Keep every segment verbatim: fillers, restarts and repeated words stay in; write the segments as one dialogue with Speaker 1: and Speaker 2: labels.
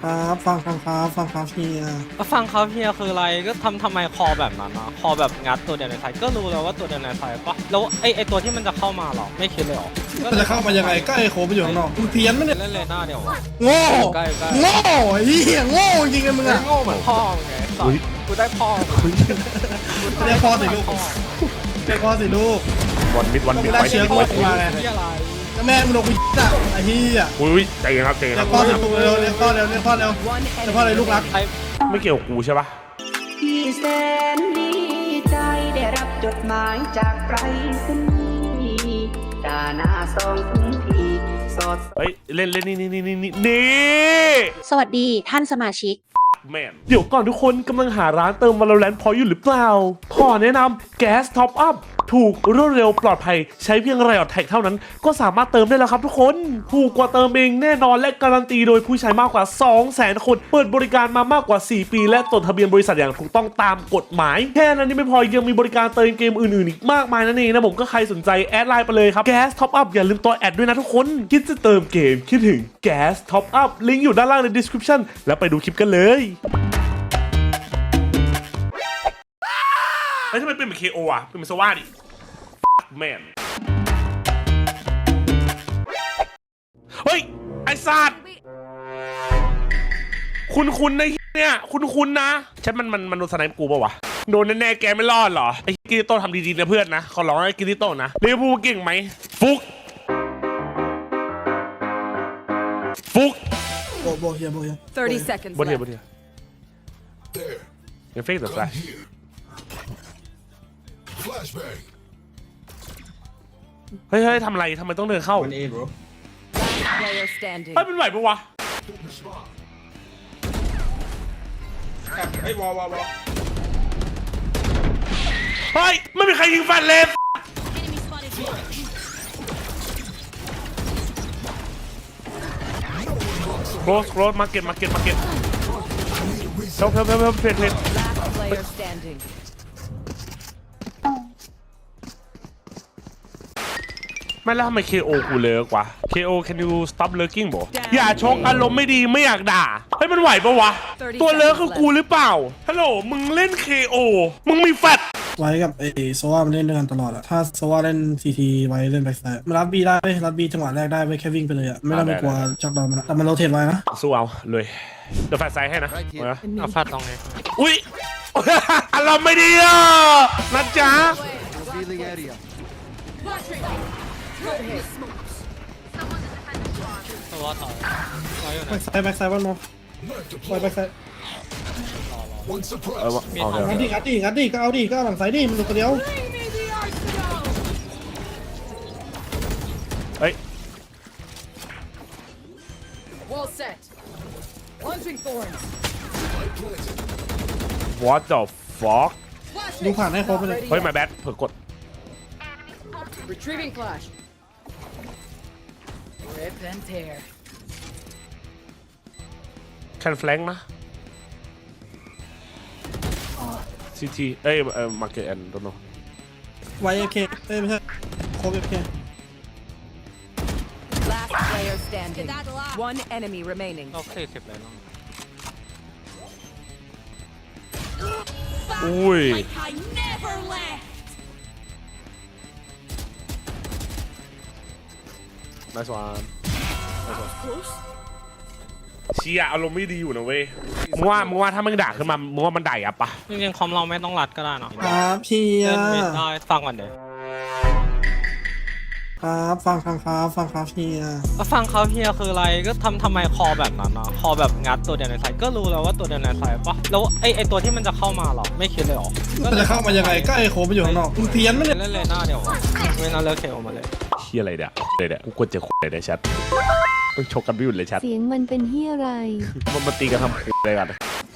Speaker 1: ครับฟังฟังครับฟังครับเฮีย
Speaker 2: ก็ฟังเขาเฮียคืออะไรก็ทำทำไมคอแบบนั้นนะคอแบบงัดตัวเดียวในไทยก็รู้แล้วว่าตัวเดียวในไทยปะแล้วไอไอตัวที่มันจะเข้ามาหรอไม่คิดเลยหรอ
Speaker 1: มันจะเข้ามายังไงก็ไอ้โคไปอยู่ข้างนอกมึงเพี้ยนไหมเนี่ย
Speaker 2: เล่นเลยหน้าเดียววะ
Speaker 1: โง่
Speaker 2: ใกล้ใกล้
Speaker 1: โง่เฮียโง่จริงๆมึงอะ
Speaker 2: โง่เหมือนพ่อไงสอนกูได้พ่อ
Speaker 1: เรียกพ่อสิลูกเรียกพ่อสิลูก
Speaker 3: วันมิดวันมิด
Speaker 1: ไม่ได้
Speaker 3: ไว้
Speaker 1: เชื้อ
Speaker 3: ไว้
Speaker 1: โคมาไง
Speaker 2: ที่อะไร
Speaker 1: แม่มึงลงไปจ้ะไอ้เฮีย
Speaker 3: อุ้ยใจเย็นครับใจเย็น
Speaker 1: เรี
Speaker 3: ค
Speaker 1: ย
Speaker 3: รับ
Speaker 1: กพ่อสิลูกเร็วเรียกพ่อเร็วเรียกพ่อเร็วเรียกพ่อเลยลูกรัก
Speaker 2: ไอ
Speaker 3: ไม่เกี่ยวกับกูใช่ปะ
Speaker 4: พี่แสนดีใจได้รับจดหมายจากไปรษณีย์ดาหน้าสองถึงพี่สด
Speaker 3: เฮ้ยเล่นเล่นนี่นี่นี่นี่นี่
Speaker 5: สวัสดีท่านสมาชิก
Speaker 3: แมนเดี๋ยวก่อนทุกคนกำลังหาร้านเติม Valorant พออยู่หรือเปล่าขอแนะนำ Gas Top Up ถูกรวดเร็วปลอดภัยใช้เพียงไรออดแท็กเท่านั้นก็สามารถเติมได้แล้วครับทุกคนถูกกว่าเติมเองแน่นอนและการันตีโดยผู้ใช้มากกว่า สองแสน คนเปิดบริการมามากกว่า สี่ปีและจดทะเบียนบริษัทอย่างถูกต้องตามกฎหมายแค่นั้นยังไม่พอยังมีบริการเติมเกมอื่นๆอีกมากมายนั่นเองนะผมก็ใครสนใจแอดไลน์ไปเลยครับ Gas Top Up อย่าลืมตัวแอดด้วยนะทุกคนคิดจะเติมเกมคิดถึง Gas Top Up ลิงก์อยู่ด้านล่างใน description แล้วไปดูคลิปกันเลยแล้วทำไมเป็นเหมือน เค โอ อ่ะเป็นเหมือนสว่าดิแมนเฮ้ยไอ้สัตว์คุณคุณในเนี่ยคุณคุณนะฉันมันมันมันโดนสไนป์กูป่าวะโดนแน่ๆแกไม่รอดเหรอไอ้กิริโต้ทำดีๆนะเพื่อนนะขอร้องไอ้กิริโต้นะเรียกพูเก่งไหมฟุกฟุก
Speaker 1: โบโบเฮียโบเฮีย
Speaker 6: thirty seconds
Speaker 3: บนเทีย
Speaker 6: left.
Speaker 3: บนเทียยังเฟกแต่แฟลช
Speaker 7: Flashbang.
Speaker 3: เฮ้ยเฮ้ยทำอะไรทำไมต้องเดินเข้า
Speaker 6: Last player standing.
Speaker 3: เฮ้ยเป็นไหวปะวะ
Speaker 1: ไอ้วอวอวอ
Speaker 3: เฮ้ยไม่มีใครยิงแฟลชเลยโครสโครสมาเก็ตมาเก็ตมาเก็ตเพิ่มเพิ่มเพิ่มเพิ่มเพลทเพลท
Speaker 6: Last player standing.
Speaker 3: ไม่แล้วทำไม เค โอ กูเลิกวะ เค โอ can you stop lurking บ่อย่าชกอารมณ์ไม่ดีไม่อยากด่าเฮ้ยมันไหวปะวะตัวเลิกคือกูหรือเปล่าฮัลโหลมึงเล่น เค โอ มึงมีแฟลช
Speaker 1: ไว้กับไอ้โซว่ามันเล่นด้วยกันตลอดอะถ้าโซว่าเล่นซีทีไว้เล่นแบ็คไซด์มันรับบีได้เว้ยรับบีจังหวะแรกได้เว้ยแค่วิ่งไปเลยอะไม่ต้องไปกลัวจักดอนมันอะแต่มันโรเทตไว้นะ
Speaker 3: สู้เอาเลยเดี๋ยวแฟลชไซด์ให้นะเอานะ
Speaker 2: เอาฟาดตรงไง
Speaker 3: อุ้ย อารมณ์ไม่ดีอ่ะนะจ๊ะ
Speaker 2: ตัวถอยถอยอยู่
Speaker 1: แบ็
Speaker 2: นะ
Speaker 1: คไซด์แบ็คไซด์วันโม
Speaker 7: Knife
Speaker 1: ปล่อย
Speaker 7: deployed.
Speaker 1: แบ็คไซด์
Speaker 7: One
Speaker 3: เออ
Speaker 7: suppressed.
Speaker 3: เอาเถ
Speaker 1: งัดดิ
Speaker 3: อะ
Speaker 1: งัดดิงัดดิก็เอาดิก็เอาหลังไซด์ดิมันดูคนเดียว
Speaker 3: เฮ้ย
Speaker 6: Wall set. Launching thorns.
Speaker 3: what the fuck
Speaker 1: ดูผ่านให้ครบไปเลย
Speaker 3: เฮ้ย my bad เผื่อกด
Speaker 6: Retrieving flash. Rip and tear.
Speaker 3: can flank นะ ซี ที เอ้ยเอ่อ market and don't know
Speaker 1: ไว้เอเคเอ้ยไม่ใช่โคบเอเค
Speaker 6: Last player standing. One enemy remaining.
Speaker 2: นกสี่สิบเลยน้อง
Speaker 3: อุ้ย nice one nice one เชียอารมณ์ไม่ดีอยู่นะเว้ยมึงว่ามึงว่าถ้ามันด่าขึ้นมามึงว่ามันด่ายับปะ
Speaker 2: จริงๆคอมเราไม่ต้องรัดก็ได้เนาะ
Speaker 1: ครับเฮีย
Speaker 2: เล่นไม่ได้ฟังก่อนเดี๋ยว
Speaker 1: ครับฟังฟังครับฟังครับเฮีย
Speaker 2: ก็ฟังเขาเฮียคืออะไรก็ทำทำไมคอแบบนั้นนะคอแบบงัดตัวเดียวในไทยก็รู้แล้วว่าตัวเดียวในไทยปะแล้วไอไอตัวที่มันจะเข้ามาหรอไม่คิดเลยหรอ
Speaker 1: มันจะเข้ามายังไงก็ไอ้โคไปอยู่ข้างนอกมึงเพี้ยนไหมเนี่ย
Speaker 2: เล่นเลยหน้าเดียววะไม่น่าเลิกเคออกมาเลย
Speaker 3: เฮียอะไรเนี่ยเลยเนี่ยกูกดเจอคนเลยในแชทต้องชกกันไม่หยุดเลยแชท
Speaker 5: เสียงมันเป็นเฮียอะไร
Speaker 3: มันมาตีกันทำอะไรกัน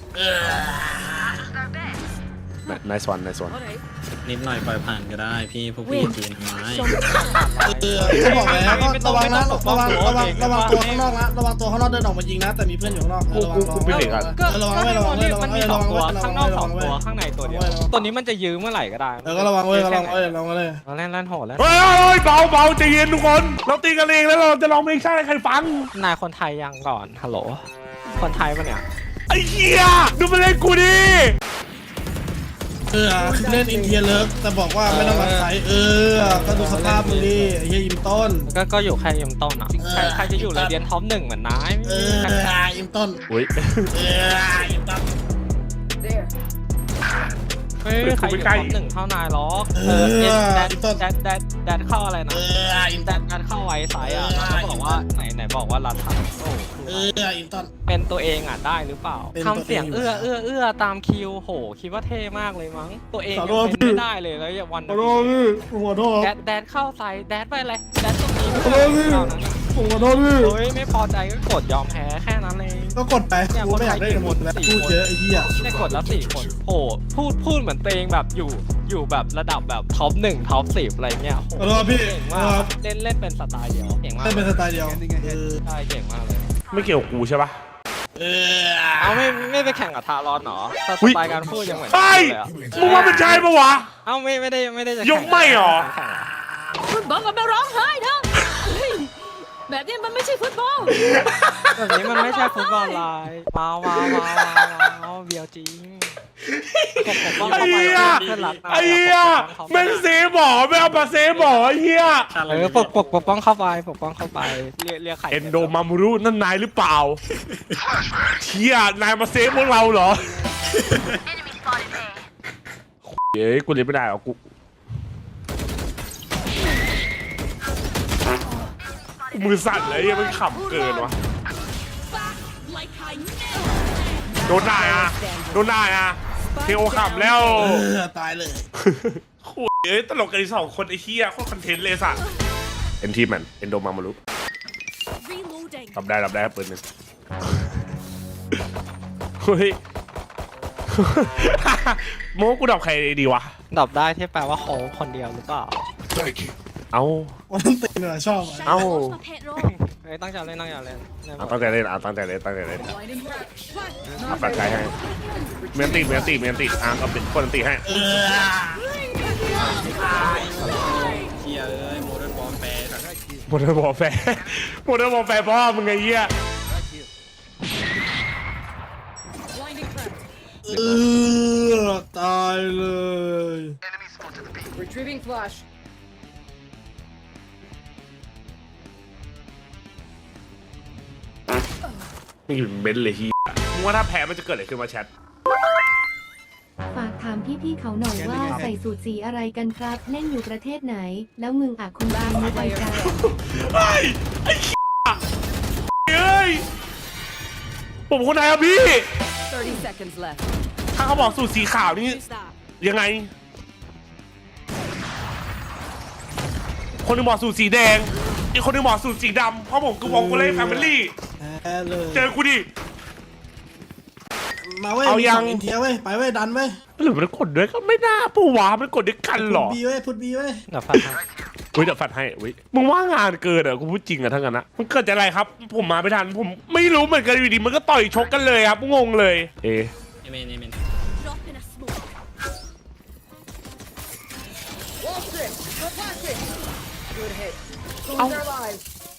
Speaker 3: nice one nice one
Speaker 8: นิดหน่อยปล่อยผ่านก็ได้พี่พวกพี่จีนทำไม
Speaker 1: เขาบอกแล้วก็ระวังนะระวังระวังระวังตัวข้างนอกนะระวังตัวข้างนอกเดินออกมายิงนะแต่มีเพื่อนอยู่ข้างนอก
Speaker 3: กูกูกูเป็นเด็กอ่ะ
Speaker 2: ก็
Speaker 1: ระวัง
Speaker 2: ก็
Speaker 1: ไว้
Speaker 2: ใน
Speaker 1: ระวั
Speaker 2: ตั
Speaker 1: ง
Speaker 2: ว
Speaker 1: ไว้
Speaker 2: นี้
Speaker 1: ระวั
Speaker 2: มั
Speaker 1: ง
Speaker 2: น
Speaker 1: ไว้
Speaker 2: มีส
Speaker 1: ระ
Speaker 2: อง
Speaker 1: วัง
Speaker 2: ตัว
Speaker 1: ไว้
Speaker 2: ข้างนอกสองตัว
Speaker 1: ระวังไว้
Speaker 2: ข้างในตัวเดียว
Speaker 1: ระวังไว้
Speaker 2: ตัวนี้มันจะยื้อเมื่อไหร่ก็ได้
Speaker 1: เออก็ระวังไว้ระวังไว้ระวังไว้เลย
Speaker 2: เราเล่นเล่นโหดแล้ว
Speaker 3: เฮ้ยเบาเบาใจเย็นทุกคน เราตีกันเองแล้วเราจะร้องเพลงชาติให้ใครฟัง
Speaker 2: นายคนไทยยังก่อนฮัลโหลคนไทยปะเนี่ย
Speaker 3: ไอ้เหี้ยดูมาเล่นกูดิ
Speaker 1: เออคือเล่นอินเดียเลิกแต่บอกว่าไม่ต้องรักใครเออก็ดูสภาพมึงดิไอ้เหี้ยอิมต้น
Speaker 2: ก็ก็อยู่แค่ยิมต้นอ่ะใครใครจะอยู่เลยเดียนท็อปหนึ่งเหมือนนาย
Speaker 1: เอออิมต้น
Speaker 3: อุ้ย
Speaker 1: เอออิมต้น
Speaker 6: There.
Speaker 2: เฮ้ยใครอยู่ท็อปหนึ่งเท่านายหรอกเออเอ็นแดดแดดแดดแดดเข้าอะไร
Speaker 1: เอ
Speaker 2: นะ
Speaker 1: ออิม
Speaker 2: แด
Speaker 1: ต้น
Speaker 2: ดแดดเข้าไว้สายอ่ะแล้วก็บอกว่าไหนไหนบอกว่ารัดทันโอ้
Speaker 1: เอออิมต้น
Speaker 2: เป็นตัวเองอ่ะได้หรือเปล่า
Speaker 1: เป็นตัวเอง
Speaker 2: ทำเสียงเอื้อเอื้อเอื้อตามคิวโหคิดว่าเท่มากเลยมั้งตัวเอง
Speaker 1: ขอ
Speaker 2: ยัง
Speaker 1: โทษ
Speaker 2: เป็น
Speaker 1: พี่
Speaker 2: ไม่ได้เลยแล้วอย่าวัน
Speaker 1: ขอโทษพี่ผมขอโทษ
Speaker 2: แดดแดดเข้าใส่แดดไปเลยแดดตรงนี้
Speaker 1: ขอโทษพี่ผมขอโทษพี่
Speaker 2: โอ้ยไม่พอใจก็กดยอมแพ้แค่นั้นเอง
Speaker 1: ก็กดไปกูไม่อยากได้หมดแล้วพูดเยอะไอ้เหี้ย
Speaker 2: ได้กดแล้วสี่คนโหพูดพูดเหมือนตัวเองแบบอยู่อยู่แบบระดับแบบท็อปหนึ่งท็อปสิบอะไรเงี้ยโห
Speaker 1: ขอโทษพี่
Speaker 2: เก่ง
Speaker 1: ค
Speaker 2: มา
Speaker 1: รั
Speaker 2: ก
Speaker 1: บ
Speaker 2: เล่นเล่นเป็นสไตล์เดียวเก่งมาก
Speaker 1: เล่นเป็นสไตล์เดียวเออ
Speaker 2: ใช่เก่งมากเลย
Speaker 3: ไม่เกี่ยวกับกูใช่ปะ
Speaker 1: เออ
Speaker 2: เอาไม่ไม่ไปแข่งกับทารอนเหรอส
Speaker 3: อุ๊ย
Speaker 2: ไตล์การพูดยังเหมือน
Speaker 3: เฮ้ย
Speaker 2: เลยอะ
Speaker 3: มึงว่ามันใช่ปะวะ
Speaker 2: เอ้าไม่ไม่ได้ไม่ได้จะ
Speaker 3: ยกไม่เหรอ
Speaker 2: แข่ง
Speaker 6: ฟุตบอลก็ไม่ร้องไห้เถอะเฮ้ยแบบนี้มันไม่ใช่ฟุตบอล
Speaker 2: แบบนี้มันไม่ใช่ฟุตบอลไลน์ว้าวว้าวว้าวว้าวเบียวจริงผมผมต้อง
Speaker 3: ไอ้
Speaker 2: เข้าไป
Speaker 3: เหี้ย
Speaker 2: เพื่อนรักนะ
Speaker 3: ไอ้เหี้ยแม่งเซฟหมอไม่เอามาเซฟหมอไอ้เหี้ย
Speaker 2: เออปกปกปกป้องเข้าไปปกป้องเข้าไปเรียกเรียกใคร
Speaker 3: เอนโดมามูรุนั่นนายหรือเปล่าเชี่ยนายมาเซฟพวกเราเหรอเฮ้ยกูเล่นไม่ได้หรอกกูมือสั่นเลยยังมันขำเกินวะโดนได้อะโดนได้อะเทโอขำแล้ว
Speaker 1: เออตายเลย
Speaker 3: โอ้ยเอ้ยตลกกันอีกสองคนไอ้เหี้ยโคตรคอนเทนต์เลยสัตว์เอ็นทีแมนเอนโดมามารุรับได้รับได้ปืนหนึ่งเฮ้ย โมกูดับใครดีวะ
Speaker 2: ดับได้ที่แปลว่าโค้งคนเดียวหรือเปล่า
Speaker 7: Thank you.
Speaker 3: เอา
Speaker 1: วันนั้นตีเนี่ยชอบอะ
Speaker 3: เอา
Speaker 2: เฮ้ยตั้งใจเล่นตั้งใจเล่นเล่นหม
Speaker 3: เอา
Speaker 2: ด
Speaker 3: ตั้งใจเล่นเอาตั้งใจเล่นตั้งใจเล่นเอาปัดใจให้เมียนตีเมียนตีเมียนตีอ่ะก็เป็นคนตีให้
Speaker 1: เออ
Speaker 8: เฮียเอ้ยโมเดิร์นบอลแปร
Speaker 3: โมเดลบอลแฟร์โมเดลบอลแฟร์พ่อมึงไงเหี้ย
Speaker 1: เออตายเลย
Speaker 6: Retrieving flash
Speaker 3: นี่เป็นเบนซ์เลยเฮียมึงว่าถ้าแพ้มันจะเกิดอะไรขึ้นมาแชท
Speaker 5: ฝากถามพี่ๆเขาหน่อยว่าใส่สูตรสีอะไรกันครับ เล่นอยู่ประเทศไหน แล้วมึงอ่ะคุณบ้านไม่ไปกัน
Speaker 3: ไอ้ไอ้เหี้ยเอ้ยผมคนไหนอะพี่
Speaker 6: thirty seconds left
Speaker 3: ถ้าเขาบอกสูตรสีขาวนี่ยังไง คนหนึงบอกสูตรสีแดง อีกคนหนึงบอกสูตรสีดำเพราะผมคือวงโกเล่แฟมิลี่
Speaker 1: แพ้เลย
Speaker 3: เจอกูดิ
Speaker 1: มาเว้ย
Speaker 3: เอายัง
Speaker 1: มีสอินเทียเว้ยไปเว้ยดันเว้ย
Speaker 3: หรือมันกดด้วยก็ไม่น่าปูวะมันกดด้วยกันเหรอ
Speaker 1: พุทบีเว้ยพุทบีเว้ย
Speaker 2: เดี๋ยวฟังให้
Speaker 3: อุ้ยเดี๋ยวฟัดให้อุ้ยมึงว่างานเกินเหรอกูพูดจริงอะทั้งนั้นนะมันเกิดจากอะไรครับ ผมมาไม่ทันผมไม่รู้เหมือนกันอยู่ดีมันก็ต่อยชกกันเลยครับงงเลย เอะ
Speaker 8: เอเมนเอเมน
Speaker 6: wall strip go plastic good hit close their lives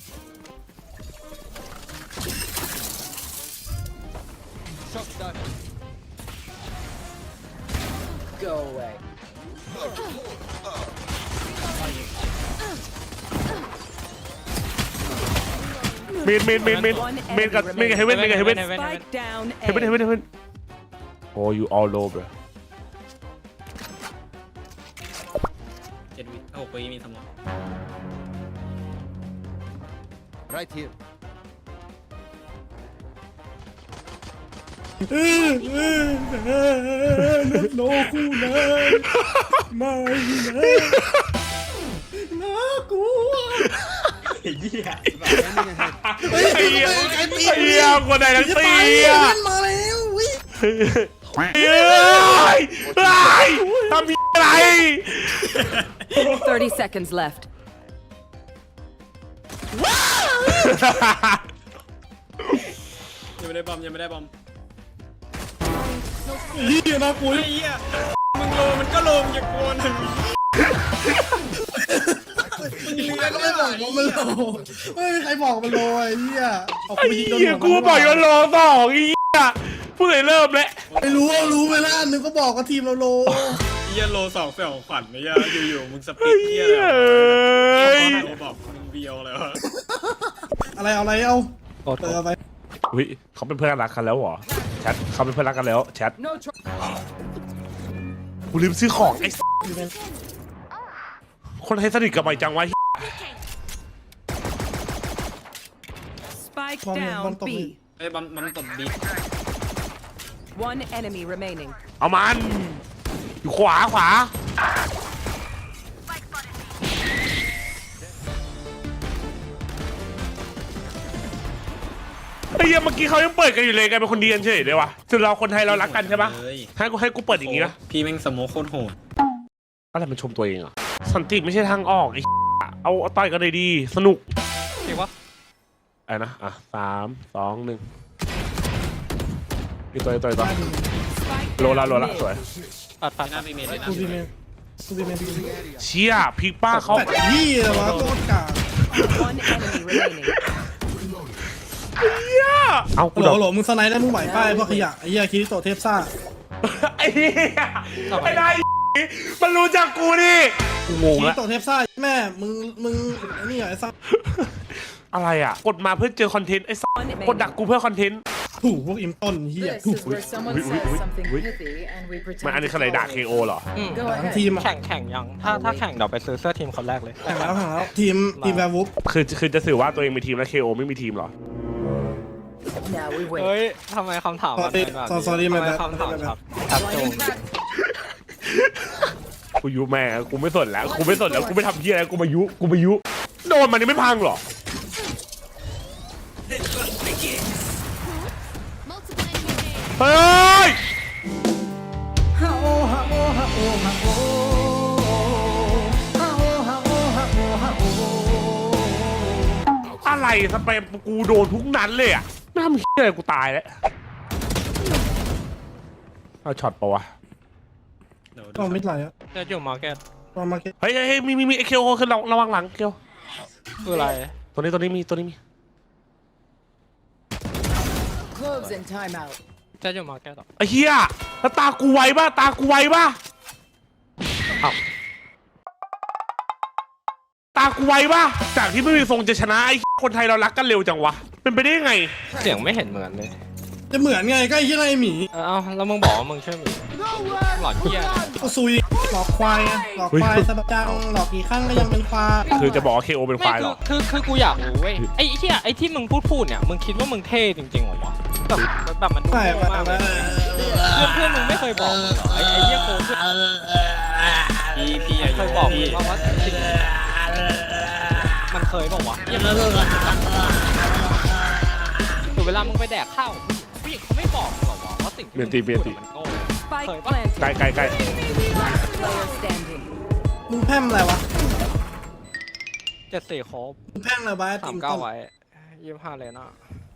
Speaker 6: go away
Speaker 3: เมนเมนเมนเมนเมนกับเมนกับเฮเว่นเมนกับเฮเว่น
Speaker 6: spike down
Speaker 3: เฮเว่นเฮเว่นเฮเว่นโอ้ย you all over
Speaker 8: เจ็ดวิถ้าหกวิมีสมอง
Speaker 7: Right here.
Speaker 1: เออเออเออโนคู่เลยไม่เลยน่ากลัว
Speaker 3: ไอ้เหี้ยไอ้เหี้ยคนไหนทั้ง
Speaker 1: จะ
Speaker 3: ตี
Speaker 1: ตาย
Speaker 3: อ่ะ
Speaker 1: เล่นมาแล้ววิ
Speaker 3: เฮ้ยเฮ้ยทำพี่อะไร
Speaker 6: thirty seconds left
Speaker 8: ยังไม่ได้บอมยังไม่ได้บอม
Speaker 1: นี่น่ากลัว
Speaker 8: ไอ้เหี้ยมึงโลมันก็โลมอย่ากลัวนะ
Speaker 1: มึงก็ไม่บอกว่ามันโลไม่มีใครบอกมันโลไอ้เหี้ยเอา
Speaker 3: ไอ้
Speaker 1: ไปยิงโดน
Speaker 3: เหี้ย
Speaker 1: หัว
Speaker 3: กู
Speaker 1: มัน
Speaker 3: บอกว่าโลสองไอ้เหี้ยพูดเลยเริ่มแล้ว
Speaker 1: ไม่รู้ว่ารู้ไหมล่ะนึกก็บอกว่าทีมเราโล
Speaker 8: เฮียโลสองเสี่ยวขวัญไม่ยาอยู่ๆมึงส
Speaker 3: ไอ้
Speaker 8: ปิดเฮี
Speaker 3: เหี้
Speaker 8: ย
Speaker 3: ย
Speaker 8: อะไร
Speaker 3: เอ้ย
Speaker 8: โลบอกมึงเบียวเลยวะ
Speaker 1: อะไรเอาอะไรเอา
Speaker 2: โอ้โห
Speaker 1: เติมไป
Speaker 3: อุ้ยเขาเป็นเพื่อนรักกันแล้วเหรอแชทเขาเป็นเพื่อนรักกันแล้วแชทกูลืมซื้อของไอ้คนให้สนิทกับไอ้จังวะ
Speaker 9: Spike
Speaker 1: บอลบอล
Speaker 9: down
Speaker 1: ตก
Speaker 9: B.
Speaker 8: ไอ้ยบัมบัมตบบี
Speaker 9: One enemy remaining.
Speaker 3: เอามันอยู่ขวาขวาไอ้เหี้ยเมื่อกี้เขายังเปิดกันอยู่เลยกันเป็นคนดีกันเฉยเลยวะคือเราคนไทยเรารักกันใช่ปะ
Speaker 8: เลย
Speaker 3: ให้กูให้กูเปิดอย่างงี้นะ
Speaker 8: พี่แม่งสโมคโคตรโหด
Speaker 3: อะไรมันชมตัวเองเหรอ่ะสันติไม่ใช่ทางออกไอ้เอาเอาต่อยกันเลยดีสนุก
Speaker 2: จริงปะ
Speaker 3: ไอ้นะอ่ะสามสองหนึ่งอีกตัวอีกตัวอีกตัว
Speaker 9: Spike
Speaker 3: โลละ
Speaker 9: down
Speaker 3: โลละ
Speaker 9: mid.
Speaker 3: สวย
Speaker 2: ปัดปัด
Speaker 8: หน้าไปเมนเลยนะ
Speaker 1: กูดีเมนกูดีเมน
Speaker 3: เชี่ยพีกป้าเขา
Speaker 1: แต่ยี่เลยวะโคตรกาก
Speaker 9: One enemy remaining.
Speaker 3: เหี้ยเอากู
Speaker 1: โหล
Speaker 3: โดน
Speaker 1: โหลมึงสไนด์ได้มึงไหวป้ายพวกขยะไอ้เหี้ยคิริโตะเทพซ่า
Speaker 3: ไอ้เหี้ยไอ้นายมันรู้จักกูดิกูงง
Speaker 1: คิริ
Speaker 3: แล้ว
Speaker 1: โตะเทพซ่าแม่มึงมึงไอ้นี่เหรอไอ้ซ่า
Speaker 3: อะไรอ่ะกดมาเพื่อเจอคอนเทนต์ไอ้สัส
Speaker 9: One
Speaker 3: กดดัก
Speaker 9: remaining.
Speaker 3: กูเพื่อคอนเทนต์
Speaker 1: ถูกพวกอิมต้นเหี้ย
Speaker 10: This
Speaker 1: ถูก
Speaker 10: is where someone
Speaker 3: Wait, wait,
Speaker 10: says
Speaker 3: wait,
Speaker 10: something
Speaker 3: wait.
Speaker 10: pithy and we
Speaker 3: มัน
Speaker 10: pretend
Speaker 3: อันนี้
Speaker 10: to
Speaker 3: คืออะไรด่า
Speaker 10: follow
Speaker 3: เคโอ
Speaker 10: it.
Speaker 3: เหรอ
Speaker 10: Go
Speaker 1: ทั้ง
Speaker 10: ahead.
Speaker 1: ทีมอะ
Speaker 2: แข่งแข่งยังถ้าถ้าแข่งเดี๋ยวไปซื้อเสื้อทีมคนแรกเลย
Speaker 1: แข่งแล้วแข่งแล้วทีมทีมแวร์วูฟ
Speaker 3: คือคือจะสื่อว่าตัวเองมีทีมแล้วเคโอไม่มีทีมเหรอ
Speaker 10: Now we wait.
Speaker 2: เฮ้ยทำไมคำถามมันเป็นแบบนี้
Speaker 1: Sorry,
Speaker 2: ทำไม
Speaker 1: my bad.
Speaker 2: คำถามครับครับโจง
Speaker 3: กูยุแม่งกูไม่สนแล้วกูไม่สนแล้วกูไม่ทำเพี้ยอะไรกูมายุกูมายุโดนมันนี่ไม่พังเหรอเฮ้ยอะไรสเปมกูโดนทุกนั้นเลยอ่ะไม่ทำเพี้ยอะไรกูตายแล้วเอาช็อตปะวะ
Speaker 8: เดี๋ยว
Speaker 1: ก็ไม่ไหลอะ
Speaker 2: จะอยู่มาร์เก็ต
Speaker 1: ก็มาเก็ต
Speaker 3: เฮ้ยเฮ้ยเฮ้ยมีมีมีไอเคโอคือระระวังหลังเกียว
Speaker 2: คืออะไร
Speaker 3: ตัวนี้ตัวนี้มีตัวนี้มี
Speaker 10: Close and time out.
Speaker 2: จะอยู่มาร์เก็ตหรอ
Speaker 3: ไอ้เหี้ยแล้วตากูไวป่ะตากูไวป่ะเอ้าตากูไวป่ะจากที่ไม่มีทรงจะชนะไอ้คนไทยเรารักกันเร็วจังวะเป็นไปได้ยังไง
Speaker 2: เสียงไม่เห็นเหมือนเลย
Speaker 1: จะเหมือนไงก็ไอ้เหี้ยไรหมี
Speaker 2: เออเอาแล้วมึงบอกว่ามึงช่วยมึงหลอนเหี้ยอะไร
Speaker 1: ก็ซุยหลอกควายไงหลอกควายสะบักจังหลอกกี่ครั้งก็ยังเป็นควาย
Speaker 3: คือจะบอกว่าเคโอเป็นค
Speaker 2: ไม่
Speaker 3: วายเหร
Speaker 2: คือ
Speaker 3: อ
Speaker 2: คือคือกูอยากรู้เว้ยไอ้เหี้ยไอ้ที่มึงพูดพูดเนี่ยมึงคิดว่ามึงเท่จริงๆเหรอวะแบบแบบมันดู
Speaker 1: ไม่
Speaker 2: โง่
Speaker 1: ไม่
Speaker 2: มากเล
Speaker 1: ไม่
Speaker 2: ยเพื่อนเพื่อนมึงไม่เคยบอกมึงเหรอไอ้ไอ้เหี้ยโกงเพื่อน
Speaker 8: พี่พี่อายุ
Speaker 2: เคยบอกมึ
Speaker 8: พี่
Speaker 2: งว่าว่าสิ่งมันเคยบอกว่าวะเหี้ยหรือเวลามึงไปแดกข้าวผู้หญิงเขาไม่บอกมึงหรอวะว่าสิ่งที่มึงพูดมันโง่
Speaker 9: Spike
Speaker 2: Sorry, what?
Speaker 3: ใกล้
Speaker 9: planted.
Speaker 3: ใกล้ใกล้
Speaker 9: Player standing.
Speaker 1: มึงแพร่มอะไรวะ
Speaker 2: เจ็ดสี่ครบ
Speaker 1: มึงแพร่มอะไรวะ
Speaker 2: สามเก้าไว้ยี่สิบห้าเลยนะ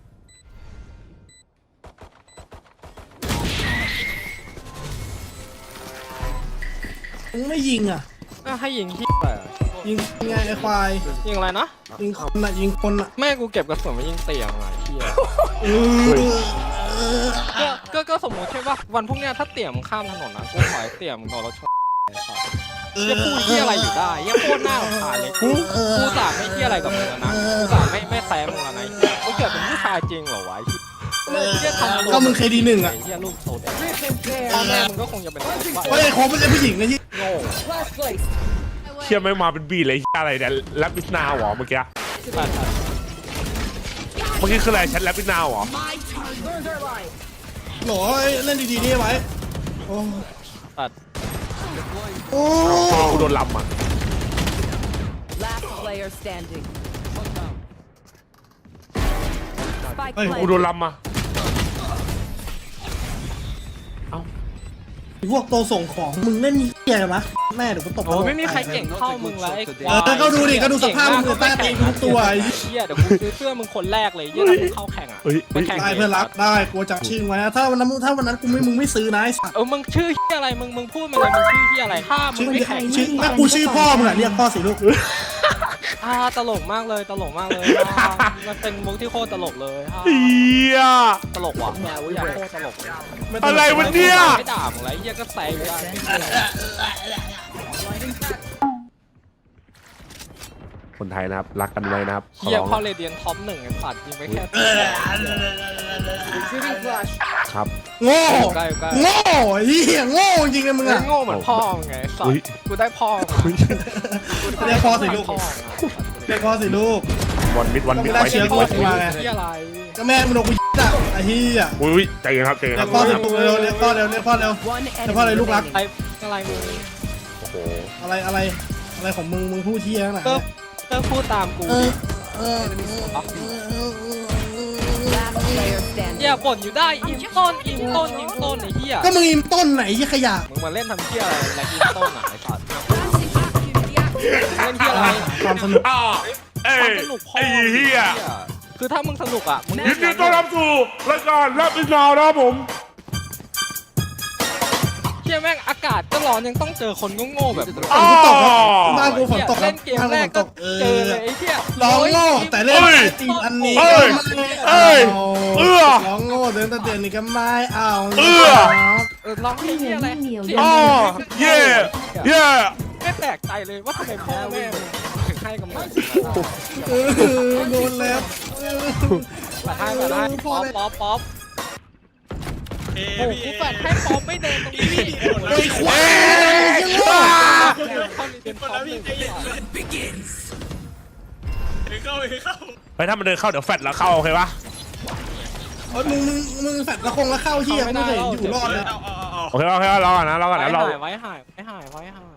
Speaker 1: มึงไม่ยิงอ่ะ
Speaker 2: อ่ะให้ยิงที่อะไรอ่ะ
Speaker 1: ยิงไงไอ้ควาย
Speaker 2: ยิงอะไรนะ
Speaker 1: ยิงคนอ่ะยิงคนอ่ะ
Speaker 2: แม่กูเก็บกระสุนมายิงเตียงอ่ะเฮีย
Speaker 1: เออ
Speaker 2: ก็ก็ก็สมมติใช่ป่ะวันพรุ่งเนี้ยถ้าเตี่ยมข้ามถนนนะกูขอให้เตี่ยมโดนรถชนไอ้สัสจะพูดที่อะไรอยู่ได้ยังโคตรหน้าขำคาญเลยกูกูสาไม่ที่อะไรกับมึงแล้วนะกูสาไม่ไม่แซมมึงแล้วนะกูเกิดเป็นผู้ชายจริงเหรอวะไอ้เหี้ยทำตัว
Speaker 1: ก็มึงเคยดีหนึ่งอ่ะ
Speaker 2: ไอ้เฮียลูกโซดพ่อแม่มึงก็คงจะเป็นคนบ้า
Speaker 1: เฮ้ยไอ้โคบไม่ใช่ผู้หญิงนะที่
Speaker 2: โง่
Speaker 10: Last place.
Speaker 3: เชี่ยไม่มาเป็นบีเลยอะไรเนี่ยแรปปิสนาวเหรอเมื่อกี้
Speaker 2: ตัดตัด
Speaker 3: เมื่อกี้คืออะไรแชทแรปปิสนาวเหรอ
Speaker 10: Learned our line.
Speaker 1: โหลเล่นดีๆนี่ไว้โอ้
Speaker 2: ตัด
Speaker 1: โอ้
Speaker 3: กูโดนลำอ่ะ
Speaker 9: Last player standing. Spike
Speaker 3: กูโดน
Speaker 9: planted.
Speaker 3: ลำอ่ะ
Speaker 1: พวกตัวส่งของมึงเล่นเหี้หี้ยอะไรวะแม่เดี๋ยวกูตก
Speaker 2: โอ้ไม่มีใครเก่งเท่ามึงเลยไอ้ควา
Speaker 1: เออก็ดูดิก็ดูสภาพมึงใต้ตีนทุกตัวไอ้
Speaker 2: เหี้ยเดี๋ยวกูซื้อเสื้อมึงคนแรกเลยเหี้ยถ้ามึงเข้าแข่งอ่ะ
Speaker 3: เฮ้ย
Speaker 2: ไปแข่ง
Speaker 1: ได้เพื่อนรักได้กูจำชื่อไว้นะถ้าวันนั้นถ้าวันนั้นกูไม่มึงไม่ซื้อนะไอ้สัส
Speaker 2: เออมึงชื่อเหี้ยอะไรมึงมึงพูดมาเลยมึงชื่อเหี้ยอะไรถ้ามึ
Speaker 1: ชื่
Speaker 2: ง
Speaker 1: อ
Speaker 2: ไม่แข่ง
Speaker 1: ชื่อแม่กูชื่อพ่อมึงอะเรียกพ่อสิลูก
Speaker 2: อ่าตลกมากเลยตลกมากเลยอ่ามันเป็นมุกที่โคตรตลกเลยอ่า
Speaker 3: เฮีย
Speaker 2: ตลกว่ะอยากโคตรตลกเลย
Speaker 3: อะไรวะเนี่ย
Speaker 2: ไม่ด่ามึงไรเหี้ยก็แซงได้
Speaker 3: คนไทยนะครับรักกันไว้นะครับขอ
Speaker 2: เหี้ย
Speaker 3: ร้อง
Speaker 2: พ่อเรเดียนท็อปหนึ่งไอ้สัตว์ยิงไปแค่
Speaker 10: Shooting flash.
Speaker 3: ครับ
Speaker 1: โง่
Speaker 2: ใกล้ใกล้
Speaker 1: โง่ไอ้เหี้ยโง่จริงเลยมึง
Speaker 2: มึง
Speaker 1: อะ
Speaker 2: โง่เหมือนพ่อมึงไงไอ้สัต
Speaker 3: เฮ้ย
Speaker 2: ว์กูได้พ่อมึง
Speaker 1: เรียกพ่อสิลูก
Speaker 2: พ่อ
Speaker 1: เรียกพ่อสิลูก
Speaker 3: วันมิดวันมิด
Speaker 1: ต้อง
Speaker 3: ไว้
Speaker 1: ได้เชื้
Speaker 3: ที่
Speaker 1: อ
Speaker 3: ไว้
Speaker 1: โคตร
Speaker 3: ที่
Speaker 1: มาไง
Speaker 2: เหี้ยอะไร
Speaker 1: ก็แม่มึงโดนกูยิงอะไอ้เหี้ย
Speaker 3: อุ้ยใจเย็นครับใจเย็น
Speaker 1: เรี
Speaker 3: ค
Speaker 1: ย
Speaker 3: รับ
Speaker 1: กพ่อสิลูกเร็วเรียกพ่อเร็วเรียกพ่อเร็ว
Speaker 9: One enemy
Speaker 1: Thếพ่ออะไรลูกรัก
Speaker 2: ไอ้
Speaker 9: remaining.
Speaker 2: อะไรมึง
Speaker 3: โอ้โห
Speaker 1: อะไรอะไรอะไรของมึงมึงพูดเหี้ยขนาด
Speaker 2: เติ
Speaker 1: นั้
Speaker 2: ม
Speaker 1: น
Speaker 2: เติมพูดตามกู
Speaker 1: เอ
Speaker 2: ดิ
Speaker 1: อเออ
Speaker 9: Last player standing.
Speaker 2: เหี้ยบ่นอยู่ได้อิมต้นอิมต้นอิมต้นไอ้เหี้ย
Speaker 1: ก็มึงอิมต้นไหนยี่ขยะ
Speaker 2: มึงมาเล่นทำเหี้ยอะไรอะไรอิมต้นอ่ะไอ้สัตว์เล่นเหี้ยอะไร
Speaker 1: ความสนุก
Speaker 3: อ้าวเอ้
Speaker 2: ความ
Speaker 3: ย
Speaker 2: สนุกพ่อ
Speaker 3: ไอ้
Speaker 2: มึง
Speaker 3: เฮีย
Speaker 2: คือถ้ามึงสนุกอ่ะมึง
Speaker 3: ยินดีต้อนรับสู่รายการรับอินนาวนะครับผม
Speaker 2: เหี้ยแม่งอากาศก็ร้อนยังต้องเจอคนโง่ๆแบบมึง
Speaker 3: อ้า
Speaker 1: ฝนตกครับ
Speaker 3: ว
Speaker 1: บ้านกูฝนตกครั
Speaker 2: เล่
Speaker 1: บ
Speaker 2: นเกม
Speaker 1: บ้าน
Speaker 2: แร
Speaker 1: กูฝนต
Speaker 2: กก็
Speaker 1: กเอ
Speaker 2: เจอ
Speaker 1: อ
Speaker 2: เลยไอ้เหี้ย
Speaker 1: ร้องโง่แต่เล่น
Speaker 3: เอ้ย
Speaker 1: ตีอันนี้
Speaker 3: เอ้
Speaker 1: ก็
Speaker 3: ย
Speaker 1: ไม่
Speaker 3: เอ้
Speaker 1: เอา
Speaker 3: ยเอื้อ
Speaker 1: ร้องโง่เดินตะเตียนนี่ก็ไม่เอา
Speaker 3: เอื้อ
Speaker 1: ครับ
Speaker 2: เออร้องเพลงเหี้ยอะไร
Speaker 5: เหนียว
Speaker 2: เสียง
Speaker 3: อ้อเย่เย่
Speaker 2: ไม่แปลกใจเลยว่าทำไมพ่อแม่มึงถึงให้กำเนิด
Speaker 1: เออโดนแล้วเออ
Speaker 2: แปดให้แปดให้ป๊อปป๊อปป๊อปโอ้โหกูแปดให้ป๊อปไม่เดินตรงนี้
Speaker 1: ไอ้ควายยังโง่
Speaker 2: เข้าในเดินป๊อปหนึ่ง
Speaker 3: เฮ้ยถ้ามันเดินเข้าเดี๋ยวแฟดแล้วเข้าโอเคปะ
Speaker 1: เอ้ยมึงมึงมึงแฟดละคงละเข้าเฮียไม่ได้อยู่รอดเลย
Speaker 3: โอเคโอเครอก่อนนะรอก่อนนะรอ
Speaker 2: ไว้หายไว้หายไว้หาย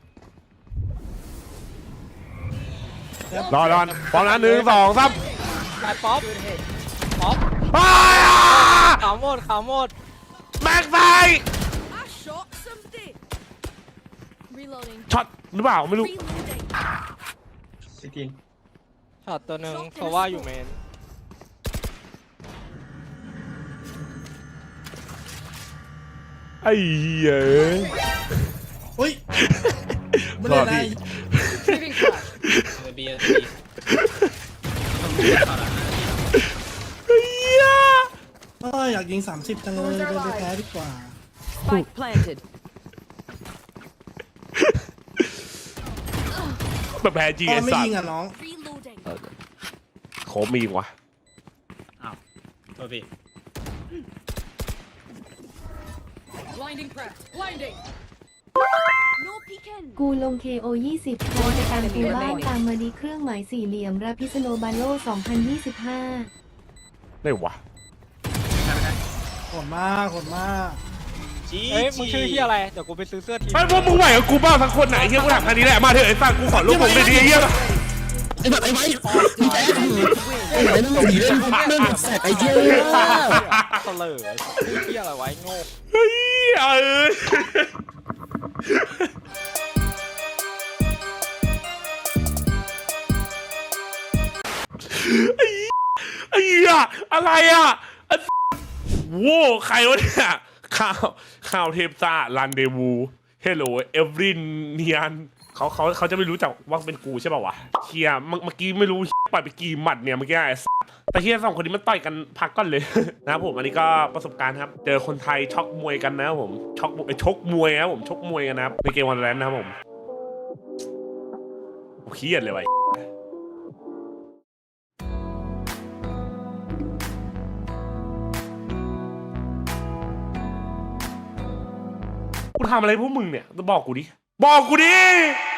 Speaker 3: รอรอพร้อมนะหนึ่งสองสาม
Speaker 2: ไอ้ป๊อปป๊อป
Speaker 3: อ้า
Speaker 2: ขาวหมดขาวหมด
Speaker 3: แม็กไซ
Speaker 6: Reloading.
Speaker 3: ช็อตหรือเปล่าไม่รู้
Speaker 6: Reloading.
Speaker 2: ช็อตตัวหนึ่งเพราะว่าอยู่เมน
Speaker 3: ไอ้เหี้ย
Speaker 1: เฮ้ยไม่ได้ไร
Speaker 10: Shooting flash.
Speaker 8: เบียร์
Speaker 3: เหี้ย
Speaker 1: เอ้ยอยากยิงสามสิบจังเลยเดินไปแพ้ดีกว่า
Speaker 9: Spike planted.
Speaker 3: แบบแพ้จี
Speaker 1: พ่
Speaker 3: ไอ
Speaker 1: อไม่
Speaker 3: สัต
Speaker 1: ยิง
Speaker 3: ว์
Speaker 1: อ่ะน้อง
Speaker 6: Reloading.
Speaker 3: โคมมีอีกวะ
Speaker 8: ตัวพี่
Speaker 10: Blinding press. Blinding.
Speaker 6: No peeking.
Speaker 5: กูลง เค โอ ยี่สิบใครจะตามกูบ้างตามมาดีเครื่องหมายสี่เหลี่ยมราพิสโนบาโลสองพันยี่สิบห้า
Speaker 3: ได้วะ
Speaker 1: โหดมากโหดมาก
Speaker 2: เฮ้ยมึงชื่อเฮียอะไรเดี๋ยวกูไปซื้อเสื้อทีม
Speaker 3: ไอ้พวกมึงไหวกับกูบ้างทั้งคนไหนเฮียกูถามแค่นี้แหละมาเถอะไอ้สัตว์กูขอลูกผมเลยดีเฮีย
Speaker 1: ไอ้แบบไอ้ไว้
Speaker 2: ไอ้เล่นสีเล่นเรื่องแสบไอ้เหี้ยเสลอไอ้เฮียอะไรไว้โง่
Speaker 3: เฮ้ยเออไอ้ไอ้เหี้ยอะไรอ่ะไอ้โว้ใครวะเนี่ยข่าวข่าวเทปซ่ารันเดวูเฮลโลเอฟรินเนียนเขาเขาเขาจะไม่รู้จักว่าเป็นกูใช่ป่าวะเฮียเมื่อกี้ไม่รู้ปล่อยไปกี่หมัดเนี่ยเมื่อกี้ไอ้แต่เฮียสองคนนี้มันต่อยกันพักก่อนเลย นะครับผมอันนี้ก็ประสบการณ์ครับเจอคนไทยช็อกมวยกันนะครับผมช็อกชกมวยนะครับผมชกมวยกันนะครับในเกมวันแรนนะครับผมโอ้เครียดเลยวะกูทำอะไรพวกมึงเนี่ยบอกกูดิบอกกูดิ